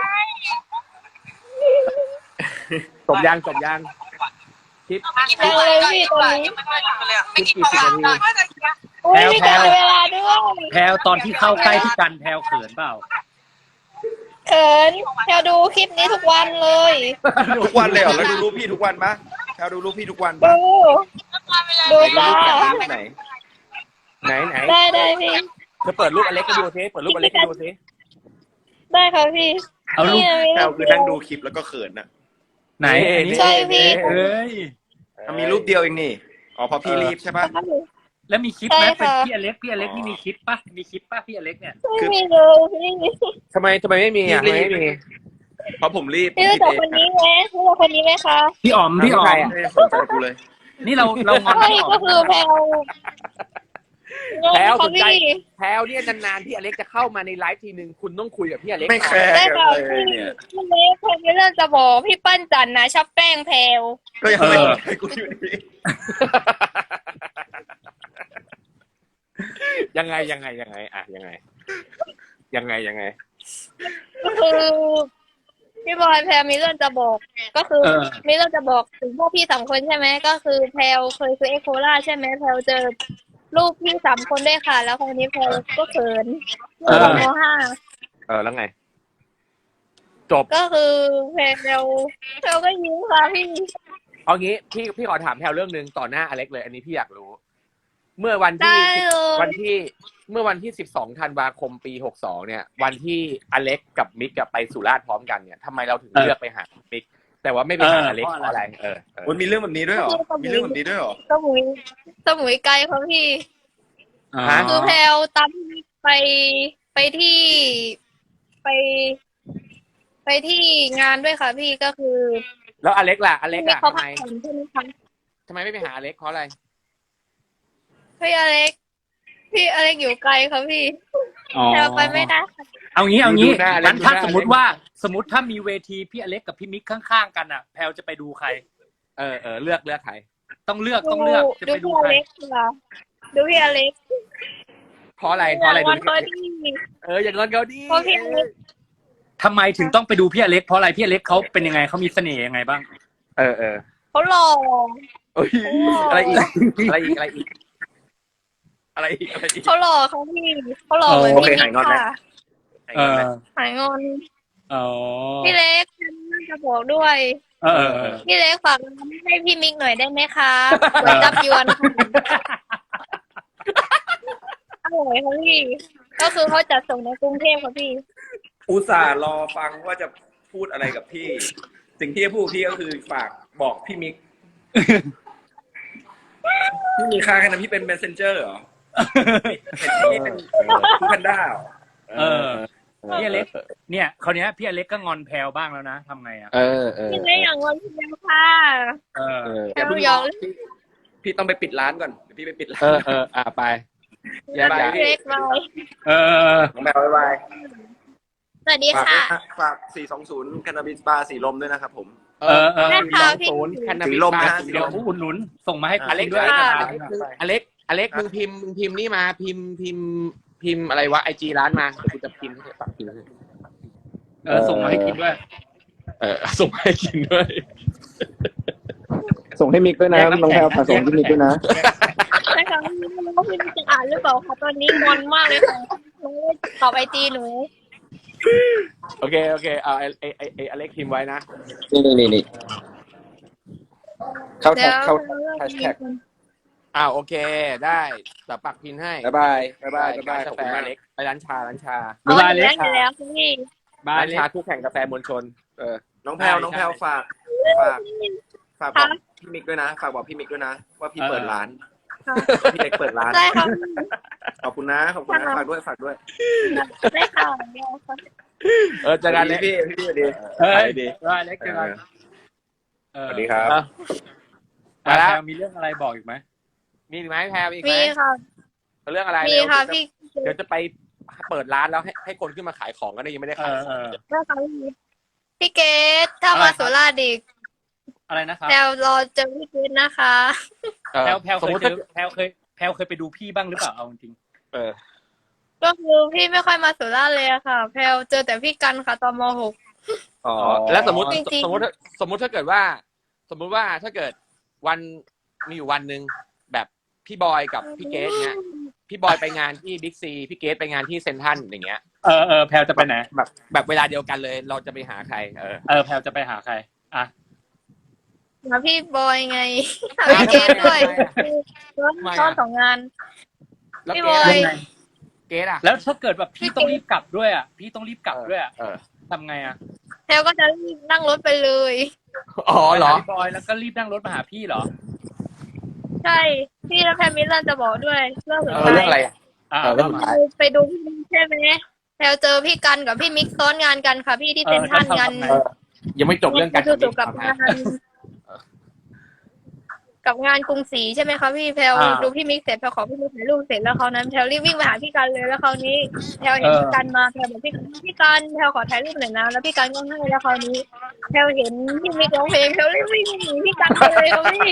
[SPEAKER 1] จบยังจบยังคลิป
[SPEAKER 2] ยังเลยพี่ตอนนี้
[SPEAKER 1] คลิปกี่สิบนาที
[SPEAKER 2] โอ้ยพี่กันเวลาด้วย
[SPEAKER 3] แพลวตอนที่เข้าใกล้พี่กันแพลวเขินเปล่า
[SPEAKER 2] เขินแพลวดูคลิปนี้ทุกวันเลย
[SPEAKER 4] ทุกวันเลยเหรอแล้วดูรูปพี่ทุกวันปะแพลวดูรูปพี่ทุกวัน
[SPEAKER 2] ดู
[SPEAKER 4] ปะ
[SPEAKER 2] ดู
[SPEAKER 4] ไหนดู
[SPEAKER 2] จ้า
[SPEAKER 4] รูปไหนดูรูปไหน
[SPEAKER 1] ไหนไหน
[SPEAKER 2] ได้ได้พี่
[SPEAKER 1] เธอเปิดรูปอเล็กให้ดูซิเปิดรูปอเล็กให้ดูซิ
[SPEAKER 2] ได้ค่ะพี่
[SPEAKER 3] เอารูป
[SPEAKER 2] นี่มี
[SPEAKER 4] แพลว
[SPEAKER 2] รูป
[SPEAKER 4] คือ
[SPEAKER 2] เดีย
[SPEAKER 4] นั่ง
[SPEAKER 2] ว
[SPEAKER 4] ดูคลิปแล้วก็เขินน่ะ
[SPEAKER 3] ไหนอันนี้
[SPEAKER 2] ใช่พี่
[SPEAKER 3] เอ้ย
[SPEAKER 4] อ่ะมีรูปเดียวเองนี่อ๋อเพราะพี่รีบใช่ปะ
[SPEAKER 3] แล้วมีคลิปไหม
[SPEAKER 2] ใช่
[SPEAKER 3] เป็น
[SPEAKER 2] ค่ะ
[SPEAKER 3] พี่อเล็กพี่อเล็กนี่มีคลิปปะมีคลิปปะพี่อเล็กเนี่ย
[SPEAKER 2] ไม่มีเลยพี่
[SPEAKER 1] ทำไมทำไมไม่มีอ่ะทำไมไม่มี
[SPEAKER 4] เพราะผมรีบ
[SPEAKER 2] พี่รู้จักคนนี้ไหมรู้จักคนนี้ไหมคะ
[SPEAKER 3] พี่อ๋อมพี่อ๋อ
[SPEAKER 1] ใคร
[SPEAKER 3] ม
[SPEAKER 1] อะ
[SPEAKER 4] ไม่ได้สนใจกูเลย
[SPEAKER 3] นี่เราเรางอน
[SPEAKER 2] ใช่
[SPEAKER 3] พี่อ๋อ
[SPEAKER 2] ก็
[SPEAKER 3] ม
[SPEAKER 2] คือแพลว
[SPEAKER 1] แพลวส
[SPEAKER 2] ค่ะ
[SPEAKER 1] นใจ
[SPEAKER 2] พี่
[SPEAKER 1] แพลวเนี่ยนานๆที่อเล็กจะเข้ามาในไลฟ์ทีนึงคุณต้องคุยกับพี่อเล็ก
[SPEAKER 4] ไม่แค
[SPEAKER 1] หน่อย
[SPEAKER 4] ร์
[SPEAKER 2] ได้
[SPEAKER 4] กัน
[SPEAKER 2] ค่ะ
[SPEAKER 4] เลย
[SPEAKER 2] พี่
[SPEAKER 4] เนี่ย
[SPEAKER 2] พี่เล็กแพลวมีเรื่องจะบอกพี่ปั้นจันนะชอบแป้งแพลว
[SPEAKER 4] ก็ยังไม่สนใจกูอยู่ดี
[SPEAKER 1] ยังไงยังไงยังไงอ่ะยังไง ยังไงยังไง
[SPEAKER 2] ก็คือพี่บอยแพลวมีเรื่องจะบอก ก็คือ
[SPEAKER 3] เออ
[SPEAKER 2] มีเรื่องจะบอกถึงพวกพี่สามคนใช่ไหมก็คือแพลวเคยซื้อเอ็กโคล่าใช่ไหมแพลวเจอรูปพี่สามคนด้วยค่ะ แล้วคราวนี้แพลวก็เขินเมื่อมห้า
[SPEAKER 1] เออแล้วไง จบ
[SPEAKER 2] ก็คือแพลวแพลวก็ยิ้มค่ะพี่
[SPEAKER 1] เอางี้พี่พี่ขอถามแพลวเรื่องหนึ่งต่อหน้าอเล็กเลย อันนี้พี่อยากรู้ เมื่อวัน
[SPEAKER 2] ได้
[SPEAKER 1] ที่
[SPEAKER 2] เลย
[SPEAKER 1] วันที่เมื่อวันที่สิบสองธันวาคมปีหกสองเนี่ย วันที่อเล็กกับมิกกับไปสุราษฎร์พร้อมกันเนี่ยทำไมเราถึงเลือกไปหามิก แต่ว่าไม่ไปหาอเล็กเพราะอะไรเออเออ
[SPEAKER 4] มันมีเรื่องแบบนี้ด้วยเหรอ มีเรื่องแบบนี้ด้วยเหรอ
[SPEAKER 2] สมุยสมุยไกลค่ะพี่
[SPEAKER 3] อ๋อ
[SPEAKER 2] คือแพลวตามไปไปที่ไป ไปที่งานด้วยค่ะพี่ก็คือ
[SPEAKER 1] แล้วอเล็กล่ะอเล็ก
[SPEAKER 2] ไม่
[SPEAKER 1] อ่ะ
[SPEAKER 2] เขา
[SPEAKER 1] ทำ
[SPEAKER 2] พั
[SPEAKER 1] ไม
[SPEAKER 2] กผ่อนใช่ไหมคะ
[SPEAKER 1] ทำไมไม่ไปหาอเล็กเพราะอะไร
[SPEAKER 2] พี่อเล็ก พี่อเล็กอยู่ไกลค่ะพี่
[SPEAKER 3] อ๋อ
[SPEAKER 2] แพลวไปไม่ได้ค่ะ
[SPEAKER 3] เอางี้เอางี้
[SPEAKER 1] ดูหน้าอเล็ก
[SPEAKER 3] งั้นถ้า
[SPEAKER 1] ดูหน้า
[SPEAKER 3] สมมติว่าสมมติถ้ามีเวทีพี่อเล็กกับพี่มิกข้างๆกันอ่ะ แพลวจะไปดูใคร
[SPEAKER 1] เออเออเลือกเลือกใคร
[SPEAKER 3] ต้องเลือกต้องเลือกจะ
[SPEAKER 2] ดู
[SPEAKER 3] ไปดู
[SPEAKER 2] พี่อ
[SPEAKER 3] ใคร
[SPEAKER 2] เล็กค่ะดูพี่อเล็ก
[SPEAKER 1] เพราะอะไรเพราะอะไร
[SPEAKER 2] วัน
[SPEAKER 1] ดู
[SPEAKER 2] พอดี
[SPEAKER 1] เอออย่างเงินเขาดี
[SPEAKER 2] เพราะพี่อเล็ก
[SPEAKER 3] ทำไมถึงต้องไปดูพี่อเล็กเพราะอะไรพี่อเล็กเขาเป็นยังไงเขามีเสน่ห์ยังไงบ้าง
[SPEAKER 1] เออเออ
[SPEAKER 2] เขาหล่อ
[SPEAKER 1] เอ้ยอะไรอีกอะไรอีกอะไรอีกอะไรอีกอะไรอีก
[SPEAKER 2] เขาหล่อเขาพี่เขาหล่อเหมือน
[SPEAKER 4] โอ
[SPEAKER 2] พี่
[SPEAKER 4] เค
[SPEAKER 2] นิ
[SPEAKER 4] หายงอน
[SPEAKER 2] ก
[SPEAKER 4] แล้ว
[SPEAKER 2] ค่ะ
[SPEAKER 3] เออ
[SPEAKER 2] หายงอน
[SPEAKER 3] อ๋อ
[SPEAKER 2] พี่เล็กจะบอกด้วย
[SPEAKER 3] เออเออเออ
[SPEAKER 2] พี่เล็กฝากร้านให้พี่มิกหน่อยได้ไหมคะก๋วยจับยวนอร่อยค่ะพี่ ก็คือเขาจัดส่งในกรุงเทพค่ะพี่
[SPEAKER 4] อุตส่าห์รอฟังว่าจะพูดอะไรกับพี่ สิ่งที่จะพูดกับพี่ก็คือฝากบอกพี่มิก พี่มีค่าแค่นั้นพี่เป็น messenger เหรอเห็นพี่เป็นผู้แพนด้าเหรอ
[SPEAKER 3] เออ พี่อเล็ก เนี่ยคราวเนี้ยพี่อเล็กก็งอนแพลวบ้างแล้วนะทำไงอ่ะ
[SPEAKER 1] เออเออ
[SPEAKER 2] พี่เล็กอย่างงอนพี่เล็กค่ะ
[SPEAKER 3] เออ
[SPEAKER 1] เออ
[SPEAKER 2] แพลวหยอก
[SPEAKER 4] พี่พี่ต้องไปปิดร้านก่อนเดี๋ยวพี่ไปปิดร้า
[SPEAKER 1] เอน อเอออ่ะไปแยกย้าย
[SPEAKER 2] พี่เล็กไป
[SPEAKER 3] เออ
[SPEAKER 4] น้องแมวบ๊ายบาย
[SPEAKER 2] สวัสดี
[SPEAKER 4] ฝาก
[SPEAKER 2] ค่ะ
[SPEAKER 4] ด้วยนะฝากสี่สองศูนย์ Cannabis Bar สีลมด้วยนะครับผม
[SPEAKER 1] เออเออ
[SPEAKER 2] ได้ค่ะพี่
[SPEAKER 1] ศูนย์แคนนา
[SPEAKER 4] สี
[SPEAKER 1] บิส
[SPEAKER 4] ลม
[SPEAKER 1] บา
[SPEAKER 4] นะ
[SPEAKER 1] ร์
[SPEAKER 4] สี
[SPEAKER 3] เดี๋
[SPEAKER 4] ล
[SPEAKER 3] ยว
[SPEAKER 4] ม
[SPEAKER 3] ผู้อุดหนุนส่งมาให้
[SPEAKER 1] อเล็ก
[SPEAKER 3] ด้วย
[SPEAKER 2] ค่ะ
[SPEAKER 1] อเล็กอเล็กมึงพิมพ์มึงพิมพ์นี่มาพิมพ์พิมพ์พิมพ์อะไรวะไอจีร้านมาเดี๋ยวกูจะพิมพ์ให้ปักพิมพ์ให้
[SPEAKER 3] เออส่งมาให้กินด้วย
[SPEAKER 1] เออส่งให้กินด้วย
[SPEAKER 5] ส่งให้มิกด้วยนะ
[SPEAKER 3] แยกน้ำ
[SPEAKER 5] น้องแพลว
[SPEAKER 3] แข็ง
[SPEAKER 5] ฝากส่งให้มิกด้วยนะ
[SPEAKER 2] ใช่ค่ะพี่ไม่รู้ว่าพี่มิกจะอ่านหรือเปล่าค่ะตอนนี้งอนมากเลยค่ะหนูตอบไอจีหนู
[SPEAKER 1] โอเคโอเคเอาไอไอไอไออเล็กพิมพ์ไว้นะ
[SPEAKER 5] นี่นี่นี่นี่เข้า
[SPEAKER 2] เดี๋
[SPEAKER 5] แท็
[SPEAKER 2] ย
[SPEAKER 5] ก
[SPEAKER 2] ว
[SPEAKER 5] เข้าแฮชแท็ก
[SPEAKER 1] อ้าวโอเคได้แต่ปักพิมพ์ให้
[SPEAKER 4] บ๊ายบายบ๊ายบายบ๊ายบายขอบ
[SPEAKER 1] กา
[SPEAKER 4] คุณ
[SPEAKER 1] แฟ
[SPEAKER 4] มา
[SPEAKER 1] อก เล็กไปร้านชาร้านชา
[SPEAKER 2] อ๋อ
[SPEAKER 3] บ๊ายบาย
[SPEAKER 2] หนู
[SPEAKER 3] เล็
[SPEAKER 2] ได้
[SPEAKER 3] ก
[SPEAKER 2] ไปแล้วพี่
[SPEAKER 3] บาย
[SPEAKER 1] ร้าน
[SPEAKER 3] เล็
[SPEAKER 1] ชาก คู่แข่งกาแฟมวลชน เออ
[SPEAKER 4] น้องแพลว
[SPEAKER 1] ใช่
[SPEAKER 4] น้องแพลว
[SPEAKER 1] ใช่
[SPEAKER 4] ฝากฝากฝากบอกพี่มิกด้วยนะฝากบอกพี่มิกด้วยนะ ว่าพี่เปิดร้าน
[SPEAKER 2] ค่ะ
[SPEAKER 4] พี่เล็กเปิดร้าน
[SPEAKER 2] ได้ค่ะ
[SPEAKER 4] ขอบคุณนะขอบคุณนะฝากด้วยฝากด้วย
[SPEAKER 2] ได้ค่ะได้ค่ะ
[SPEAKER 1] เออเจอกันเล็ก
[SPEAKER 4] พี่พี่สวัสดี
[SPEAKER 3] เฮ้ย
[SPEAKER 4] สวัสดี
[SPEAKER 3] บ๊ายบายเล็กเจอกันเออ
[SPEAKER 4] สวัสดีครับ
[SPEAKER 1] อ่ะ
[SPEAKER 3] มาแล้วมีเรื่องอะไรบอกอีกไหม
[SPEAKER 1] มีอีกไหมแพรมีอีกไหม
[SPEAKER 2] มีค่ะ
[SPEAKER 1] เรื่องอะไร
[SPEAKER 2] มี
[SPEAKER 1] เร็ว
[SPEAKER 2] ค่ะ
[SPEAKER 1] เดี๋ยว
[SPEAKER 2] พี่
[SPEAKER 1] จะเดี๋ยวจะไปเปิดร้านแล้วให้ให้คนขึ้นมาขายของก็ได้ยังไม่ได้
[SPEAKER 3] เอ
[SPEAKER 1] ขาย
[SPEAKER 3] อ
[SPEAKER 1] ข
[SPEAKER 3] เอ
[SPEAKER 1] อง
[SPEAKER 3] อ
[SPEAKER 2] ได้ค่ะพี่พี่เกดถ้า
[SPEAKER 3] อะไร
[SPEAKER 2] มา
[SPEAKER 3] ครับ
[SPEAKER 2] สุราษฎร์อีก
[SPEAKER 3] อะไรนะครับ
[SPEAKER 2] แพลวรอเจอพี่เกดนะคะ
[SPEAKER 1] เออ
[SPEAKER 3] แพลวแพลว
[SPEAKER 1] ส
[SPEAKER 3] เค
[SPEAKER 1] ม
[SPEAKER 3] ย
[SPEAKER 1] มติ
[SPEAKER 3] เจ
[SPEAKER 1] ถ้า
[SPEAKER 3] อแพลวเคยแพลวเคยไปดูพี่บ้างหรือเปล่าเอาจริง
[SPEAKER 1] เออ
[SPEAKER 2] ก็คือพี่ไม่ค่อยมาสุราษฎร์เลยอะค่ะ แพลวเจอแต่พี่กันค่ะตอนม .หก
[SPEAKER 1] อ๋อแล้วสมมติ
[SPEAKER 2] จริงๆ
[SPEAKER 1] สมมติสมมติถ้าเกิดว่า สมมุติว่าถ้าเกิดวันมีอยู่วันหนึ่งแบบพี่บอยกับพี่เกสเนี้ยพี่บอยไปงานที่บิ๊กซีพี่เกสไปงานที่เซนทรัลอย่างเงี้ย
[SPEAKER 3] ๆเออเออแพลวจะไปไหน
[SPEAKER 1] แบบแบบเวลาเดียวกันเลย เราจะไปหาใคร เออ
[SPEAKER 3] เออแพลวจะไปหาใครอ่ะ
[SPEAKER 2] หาพี่บอยไงหาพี่เกดด้วยซ้อน
[SPEAKER 1] ทำไมอะ
[SPEAKER 2] ซ้อนสองงาน
[SPEAKER 1] แล้ว
[SPEAKER 2] พี่
[SPEAKER 1] เก
[SPEAKER 2] บอ
[SPEAKER 1] ส
[SPEAKER 2] ย
[SPEAKER 3] ยังไง
[SPEAKER 1] เกสอ่ะ
[SPEAKER 3] แล้วถ้าเกิดแบบพี่ต้องรีบกลับด้วยอ่ะพี่ต้องรีบกลับด้วยอ่ะ
[SPEAKER 1] เออ
[SPEAKER 3] ทำไงอ่ะ
[SPEAKER 2] แพลวก็จะรีบนั่งรถไปเลย
[SPEAKER 1] อ๋อเหรอ
[SPEAKER 3] ไปาพี่บอยแล้วก็รีบนั่งรถมาหาพี่เหรอ
[SPEAKER 2] ใช่พี่และแพรมิลเลอร์จะบอกด้วยเรื่องสุด
[SPEAKER 1] เออ
[SPEAKER 2] ท้า
[SPEAKER 1] เรื่องอะไร
[SPEAKER 2] ย
[SPEAKER 1] อ่ะ
[SPEAKER 3] อ่า
[SPEAKER 1] เออเรื่องสุดท้าย
[SPEAKER 2] ไปดูพี่มิกใช่ไหมแพลวเจอพี่กันกับพี่มิกซ้อนงานกันค่ะพี่ที่เซ็นทรัลงาน
[SPEAKER 1] เออ ยังไม่จบเรื่องการ
[SPEAKER 2] คือ
[SPEAKER 1] ทำ
[SPEAKER 2] จบกับงานกับงานกรุงศรีใช่ไหมคะพี่แพลวดูพี่มิกเสร็จแพลวขอพี่มิกถ่ายรูปเสร็จแล้วคราวนั้นแพลวรีบวิ่งไปหาพี่กันเลยแล้วคราวนี้แพลวเห็นพี่กันมาแพลวบอกพี่พี่กันแพลวขอถ่ายรูปหน่อยนะแล้วพี่กันก็ให้แล้วคราวนี้แพลวเห็นพี่มิกร้องเพลงแพลวรีบวิ่งหนีพี่กันไปเลยค่ะพี่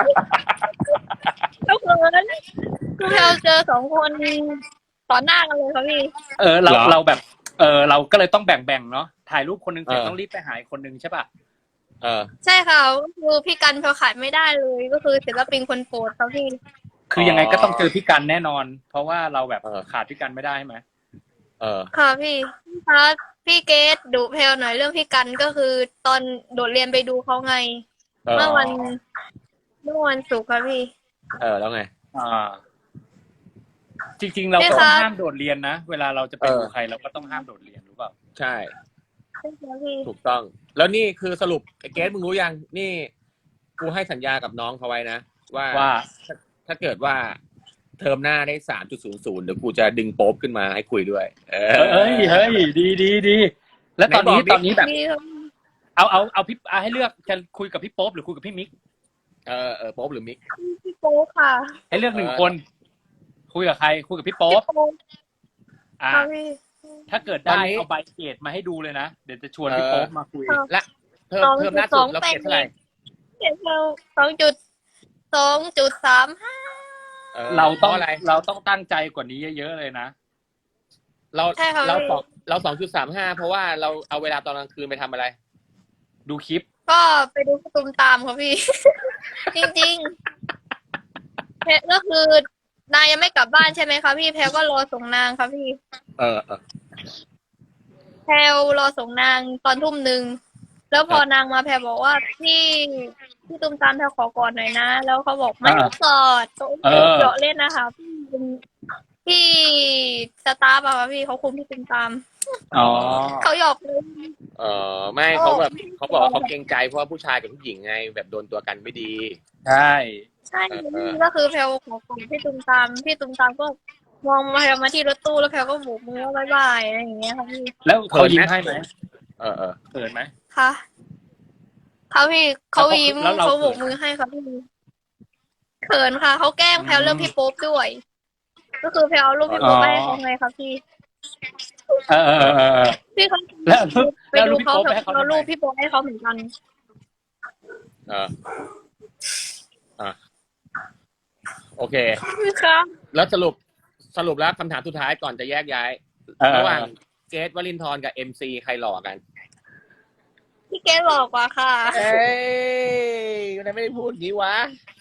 [SPEAKER 2] แล้วเขินคือแพลวเจอสองคนต่อหน้ากันเลยค่ะพี่
[SPEAKER 3] เออเรา
[SPEAKER 1] เหรอ
[SPEAKER 3] เราแบบ เออเราก็เลยต้องแบ่งๆเนาะถ่ายรูปคนหนึงเสร็จ
[SPEAKER 1] เออ
[SPEAKER 3] ต้องรีบไปหาอีกคนหนึงใช่ป่ะ
[SPEAKER 1] เออ
[SPEAKER 2] ใช่ค่ะก็คือพี่กันแพลวขาดไม่ได้เลยก็คือศิลปินคนโปรดค่ะพี่
[SPEAKER 3] คือยังไงก็ต้องเจอพี่กันแน่นอน เพราะว่าเราแบบ
[SPEAKER 1] เออ
[SPEAKER 3] ขาดพี่กันไม่ได้ใช่ไหม
[SPEAKER 1] เออ
[SPEAKER 2] ค่ะพี่คะพี่เกดดุเพลหน่อยเรื่องพี่กันก็คือตอนโดดเรียนไปดูเขาไง
[SPEAKER 1] เออ
[SPEAKER 2] เมื่อวันเมื่อวันศุกร์ค่ะพี่
[SPEAKER 1] เออ แล้วไง
[SPEAKER 3] อ่า จริงๆ เรา
[SPEAKER 2] ใช่
[SPEAKER 3] ก็
[SPEAKER 2] ค่ะ
[SPEAKER 3] ต้องห้ามโดดเรียนนะเวลาเราจะไป
[SPEAKER 1] เออ
[SPEAKER 3] ดูใครเราก็ต้องห้ามโดดเรียนรู้เปล่า
[SPEAKER 1] ใช่
[SPEAKER 2] ใช่ค่ะพี่
[SPEAKER 1] ถูกต้อง แล้วนี่คือสรุปไอ้เกสมึงรู้ยัง นี่ กูให้สัญญากับน้องเขาไว้นะ ว่า
[SPEAKER 3] ว่า
[SPEAKER 1] ถ้าถ้าเกิดว่าเทอมหน้าได้สามจุดศูนย์ศูนย์เดี๋ยวกูจะดึงโป๊ปขึ้นมาให้คุยด้วย เออ
[SPEAKER 3] เอ้ยเฮ้ยดีดีดีแล้วตอนนี้
[SPEAKER 1] ไหนบอกดิ
[SPEAKER 3] ตอนนี้แบบ
[SPEAKER 2] พี่ครับ
[SPEAKER 3] เอาเอาเอาพี่เอาให้เลือกจะคุยกับพี่โป๊ปหรือคุยกับพี่มิก
[SPEAKER 1] เออเออโป๊ปหรือมิก
[SPEAKER 2] พี่โป๊กค่ะ
[SPEAKER 3] ให้เลือกหนึ่ง
[SPEAKER 1] เออ
[SPEAKER 3] คน คุยกับใคร คุยกับพี่โป๊
[SPEAKER 2] พี่
[SPEAKER 3] ป
[SPEAKER 2] โป๊ก
[SPEAKER 3] อ่า
[SPEAKER 2] ค่ะพี่
[SPEAKER 3] ถ้าเกิด
[SPEAKER 1] ตอน
[SPEAKER 3] ได้
[SPEAKER 1] นี้
[SPEAKER 3] เอาใบเกรดมาให้ดูเลยนะเดี๋ยวจะชวน
[SPEAKER 1] เออ
[SPEAKER 3] พี่โป๊ปมาคุย
[SPEAKER 1] และเทอมเทอมหน้าสุดเราเกรดเท่าไหร่
[SPEAKER 2] เจ็ดเราสองจุดสองจุดสามห้า
[SPEAKER 1] ออ
[SPEAKER 3] เราต้อง
[SPEAKER 1] พะอะไร
[SPEAKER 3] เราต้องตั้งใจกว่านี้เยอะๆเลยนะ
[SPEAKER 1] เรา
[SPEAKER 2] ใช่ค่ะ
[SPEAKER 1] เรา
[SPEAKER 2] พี่
[SPEAKER 1] สองเราสองจุดสามห้าเพราะว่าเราเอาเวลาตอนกลางคืนไปทำอะไร
[SPEAKER 3] ดูคลิป
[SPEAKER 2] ก็ไปดูประตูมตามค่ะพี่ จริงๆแพรก็คือนายยังไม่กลับบ้านใช่ไหมคะพี่แพรก็รอส่งนางค่ะพี่
[SPEAKER 1] เออเออ
[SPEAKER 2] แพลวรอส่งนางตอนทุ่มหนึ่งแล้วพอนางมาแพลวบอกว่าพี่พี่ตุ้มตามแพลวขอกอดหน่อยนะ แล้วเขาบอกไม่ต้องกอดโต๊ะ
[SPEAKER 3] เออ
[SPEAKER 2] เจาะเล่นนะคะพี่เป็นพี่สตาฟอะค่ะพี่เขาคุมพี่ตุ้มตาม
[SPEAKER 3] อ๋อ
[SPEAKER 2] เขาหยอกเลย
[SPEAKER 1] เออไม่เขาแบบเขาบอกว่าเขาเกรงใจเพราะว่าผู้ชายกับผู้หญิงไง แบบโดนตัวกันไม่ดี
[SPEAKER 3] ใช่
[SPEAKER 2] ใช่
[SPEAKER 1] เออ
[SPEAKER 2] ก็คือแพลวขอกอดพี่ตุ้มตามพี่ตุ้มตามก็มองมาแพลวมาที่รถตู้แล้วแพลวก็โบกมือว่าบ๊ายบายอะไรอย่างเงี้ยค่ะพี่
[SPEAKER 3] แล้วเขายิ้มให้ไหม
[SPEAKER 1] เออเออ
[SPEAKER 3] เขินไหม
[SPEAKER 2] ค่ะเขาพี่เขายิ้ม
[SPEAKER 3] แล้วเรา
[SPEAKER 2] เขาโบก
[SPEAKER 3] เขินไหม
[SPEAKER 2] มือให้ค่ะพี่เขินค่ะเขาแกล้งแพลวเรื่องพี่โป๊ปด้วย ก็คือแพลวเอารูปพี่โป๊ปไปให้เขาไงครับพี่
[SPEAKER 3] เออเออเออเออ
[SPEAKER 2] พี่เขา
[SPEAKER 3] แล้ว
[SPEAKER 2] ไป
[SPEAKER 3] แล้ว
[SPEAKER 2] ดู
[SPEAKER 3] รูปพี่
[SPEAKER 2] เขา
[SPEAKER 3] โป๊ป
[SPEAKER 2] แบ
[SPEAKER 3] ไปให้
[SPEAKER 2] บ
[SPEAKER 3] เขา
[SPEAKER 2] เอา
[SPEAKER 3] ทำไม
[SPEAKER 2] รูปพี่โป๊ปให้เขาเหมือนกัน
[SPEAKER 1] เอออ่ะโอเค
[SPEAKER 2] ครับ
[SPEAKER 1] แล้วสรุปสรุปแล้วคำถามสุดท้ายก่อนจะแยกย้าย
[SPEAKER 3] เออ
[SPEAKER 1] ระหว่างเกรทวลินทร์กับเอ็มซีใครหล่อกัน
[SPEAKER 2] พี่เกดหลอกกว่าค่ะ
[SPEAKER 1] เอ้ยทำไมไม่ได้พูดงี้วะ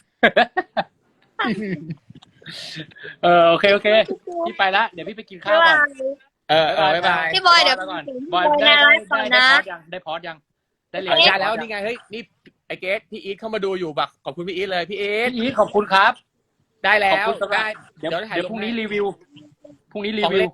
[SPEAKER 3] เออโอเคโอเคพี่ไปละเดี๋ยวพี่ไปกินข้า
[SPEAKER 2] บ๊า
[SPEAKER 3] วย ก่
[SPEAKER 2] บา
[SPEAKER 3] อน
[SPEAKER 2] ย
[SPEAKER 1] เออเออบ๊ายบาย
[SPEAKER 2] พี่บอยเดี๋ยว
[SPEAKER 3] ไปก่อน
[SPEAKER 2] พี่
[SPEAKER 3] บบ อ
[SPEAKER 2] อย ย
[SPEAKER 3] ได้
[SPEAKER 2] ในไล
[SPEAKER 3] ได้
[SPEAKER 2] ฟ์ก่อน
[SPEAKER 3] ได้
[SPEAKER 2] นะ
[SPEAKER 3] ได้พอดยังได้พอดยังได้เหรีย
[SPEAKER 1] เอา
[SPEAKER 3] ญ
[SPEAKER 1] ได้แล้วนี่ไงเฮ้ยนี่ไอเกรทพี่อีทเข้ามาดูอยู่บักขอบคุณพี่อีทเลยพี่อีท
[SPEAKER 3] พี่อีทขอบคุณครับ
[SPEAKER 1] ได้แล้
[SPEAKER 3] ขอบ
[SPEAKER 1] ว
[SPEAKER 3] คุณสำหรับ
[SPEAKER 1] ได้
[SPEAKER 3] เดี๋ยว
[SPEAKER 1] เดี๋ยวถ่าย
[SPEAKER 3] เดี๋ยว
[SPEAKER 1] ล
[SPEAKER 3] พรุ่
[SPEAKER 1] ง
[SPEAKER 3] งนี้
[SPEAKER 1] ให้
[SPEAKER 3] รีวิวพรุ่งนี้รี
[SPEAKER 1] ของ
[SPEAKER 3] วิ
[SPEAKER 1] เล็
[SPEAKER 3] ว
[SPEAKER 1] ก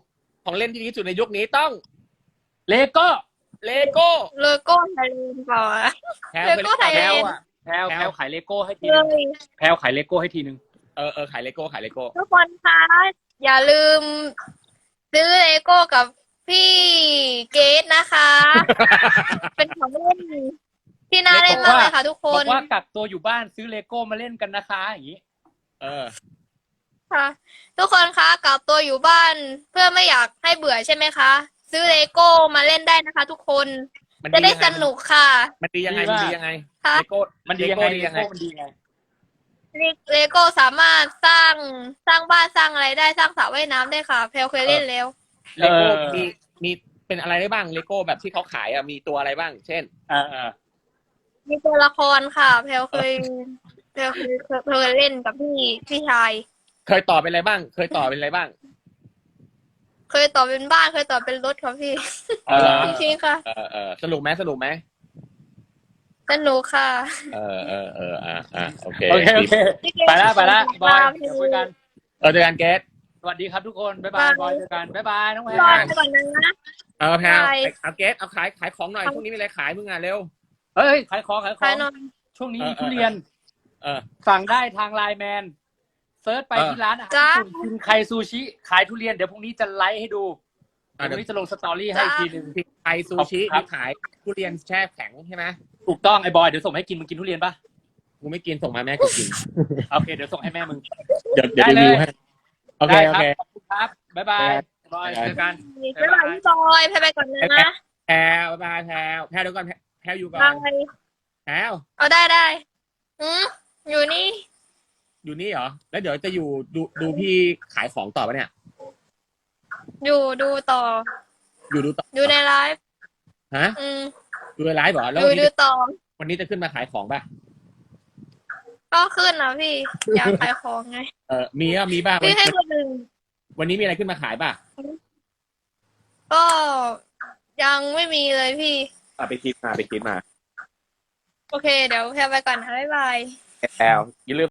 [SPEAKER 1] ของเล่นที่ดีที่สุดในยุคนี้ต้อง
[SPEAKER 3] เลโก้
[SPEAKER 1] เลโก้
[SPEAKER 2] เลโก้ไทยแลนด์ก่อน
[SPEAKER 1] แพลว
[SPEAKER 2] เลโก้ไทย
[SPEAKER 1] แพ
[SPEAKER 2] แล
[SPEAKER 1] ลวน
[SPEAKER 2] ด์
[SPEAKER 1] อ่ะ
[SPEAKER 3] แพลว
[SPEAKER 1] แพลว
[SPEAKER 3] แพลวขายเลโก้ให้ที
[SPEAKER 2] เล
[SPEAKER 3] นึง
[SPEAKER 2] ย
[SPEAKER 3] แพลวขายเลโก้ให้ทีนึง
[SPEAKER 1] เออเออขายเลโก้ขายเลโก้
[SPEAKER 2] ทุกคนคะอย่าลืมซื้อเลโก้กับพี่เกดนะคะ เป็นของเล่นที่น่าเล่นมากเลยค่ะทุกค
[SPEAKER 3] บ
[SPEAKER 2] น
[SPEAKER 3] อกว่ากักตัวอยู่บ้านซื้อเลโก้มาเล่นกันนะคะอย่างนี้
[SPEAKER 1] เออ
[SPEAKER 2] ค่ะ ทุกคนคะกลับตัวอยู่บ้านเพื่อไม่อยากให้เบื่อใช่ไหมคะ ซื้อเลโก้มาเล่นได้นะคะ ทุกคน
[SPEAKER 1] มัน
[SPEAKER 2] จะ
[SPEAKER 1] ดี
[SPEAKER 2] ได้
[SPEAKER 1] ยังไง
[SPEAKER 2] สนุกค่ะ
[SPEAKER 1] มันดียังไง
[SPEAKER 3] ดี
[SPEAKER 1] มัน
[SPEAKER 3] มาก
[SPEAKER 1] ดียังไง
[SPEAKER 2] ค่ะ
[SPEAKER 1] เลโก้
[SPEAKER 3] มันดียังไง
[SPEAKER 1] เล
[SPEAKER 3] เล
[SPEAKER 1] โก้ดียังไง
[SPEAKER 3] โก้มันดียังไง
[SPEAKER 2] เลโก้สามารถสร้างสร้างบ้านสร้างอะไรได้สร้างสระว่ายน้ำได้ค่ะเพลเคยเล่นแล้ว
[SPEAKER 1] เลโก้
[SPEAKER 3] เออ
[SPEAKER 1] มีมีเป็นอะไรได้บ้างเลโก้แบบที่เขาขายอ่ะมีตัวอะไรบ้าง เช่น
[SPEAKER 3] อ่าอ่า
[SPEAKER 2] มีตัวละครค่ะเพลเคยเพลเคยเคยเคยเล่นกับพี่พี่ชาย
[SPEAKER 1] เคยต่อเป็นอะไรบ้าง เคยต่อเป็นอะไรบ้าง
[SPEAKER 2] เคยต่อเป็นบ้านเคยต่อเป็นรถค่ะพี่
[SPEAKER 3] เออ
[SPEAKER 2] จริงๆค่ะ
[SPEAKER 1] เออเออสนุกไหมสนุกไหม
[SPEAKER 2] สนุกค่ะ
[SPEAKER 1] เออเออเอออ่ะอ่ะโอเค
[SPEAKER 3] โอเคโอเค ไปแล้วไปแล้วบอยเดี๋ยวคุยกัน
[SPEAKER 1] เออเจอกันเกส
[SPEAKER 3] สวัสดีครับทุกคนบ๊ายบายบอยเจอกันบ๊ายบายน้องแพร
[SPEAKER 2] รอไปก่อนนะ
[SPEAKER 1] เออแพลว
[SPEAKER 2] ใช่
[SPEAKER 1] เอาเกสเอาขายขายของหน่อยช่วงนี้มีอะไรขายมึงอ่ะเร็ว
[SPEAKER 3] เฮ้ยขายของขายข
[SPEAKER 2] ใคร
[SPEAKER 3] อง
[SPEAKER 2] นอน
[SPEAKER 3] ช่วงนี้
[SPEAKER 1] เออ
[SPEAKER 3] มีทุเรียน
[SPEAKER 1] เออ
[SPEAKER 3] สั่งได้ทางไลน์แมนเซิร์ชไป
[SPEAKER 1] เออ
[SPEAKER 3] ที่ร้านอาหาร
[SPEAKER 2] จ้า
[SPEAKER 3] ญี่ปุ่นกินไคซูชิขายทุเรียนเดี๋ยวพรุ่งนี้จะไลฟ์ให้ดู
[SPEAKER 1] อ่ะ
[SPEAKER 3] เดี๋ยวพ
[SPEAKER 1] เดี๋ยว
[SPEAKER 3] รุ่งนี้จะลงสตอรี่ให้อีกทีหนึง
[SPEAKER 1] ที่ไทยซูชิ
[SPEAKER 3] ขอบคุณครับ
[SPEAKER 1] ที่ขายทุเรียนแช่แข็งใช่ไหม
[SPEAKER 3] ถูกต้องไอ้บอยเดี๋ยวส่งให้กินมึงกินทุเรียนปะ
[SPEAKER 1] กูไม่กินส่งมาแม่กูกิน
[SPEAKER 3] โอเคเดี๋ยวส่งให้แม่มึง
[SPEAKER 1] เดี๋ยวเดี๋ยว
[SPEAKER 3] ได้
[SPEAKER 1] รี
[SPEAKER 3] เลย
[SPEAKER 1] วิวให้โอเค
[SPEAKER 3] ได้
[SPEAKER 1] โอ
[SPEAKER 3] ครับ
[SPEAKER 1] เค
[SPEAKER 3] ขอบคุณครับบ๊ายบายบอยเจอกัน
[SPEAKER 2] บ๊ายบายพี่บอยไปไปก่อนนะ
[SPEAKER 1] แพลวบายแพลวแพลวเดี๋ยวก่อนแพลวอยู่ก่อน
[SPEAKER 2] บาย
[SPEAKER 1] แพลว
[SPEAKER 2] เอาได้ได้อืมอยู่นี่
[SPEAKER 1] อยู่นี่เหรอแล้วเดี๋ยวจะอยู่ดูดูพี่ขายของต่อปะเนี่ย
[SPEAKER 2] อยู่ดูต่อ
[SPEAKER 1] อยู่ดูต่อ
[SPEAKER 2] อยู่ในไลฟ์
[SPEAKER 1] ฮะ
[SPEAKER 2] อืม
[SPEAKER 1] ดูในไลฟ์เหรอแล้ว
[SPEAKER 2] อยู่
[SPEAKER 1] วัน
[SPEAKER 2] ดู
[SPEAKER 1] นี้
[SPEAKER 2] ต่อ
[SPEAKER 1] วันนี้จะขึ้นมาขายของป่ะ
[SPEAKER 2] ก็ขึ้นนะพี่ อยากขายของไง
[SPEAKER 1] เออมีอ่ะมีป่ะวัน
[SPEAKER 2] พี่ให้คนหนึ่ง
[SPEAKER 1] วันนี้มีอะไรขึ้นมาขายป่ะ
[SPEAKER 2] ก็ยังไม่มีเลยพี่
[SPEAKER 1] อ่ะไปคิดมาไปคิดมา
[SPEAKER 2] โอเค เดี๋ยวแพรไปก่อนนะบ๊ายบาย
[SPEAKER 1] แพลวอย่าลืม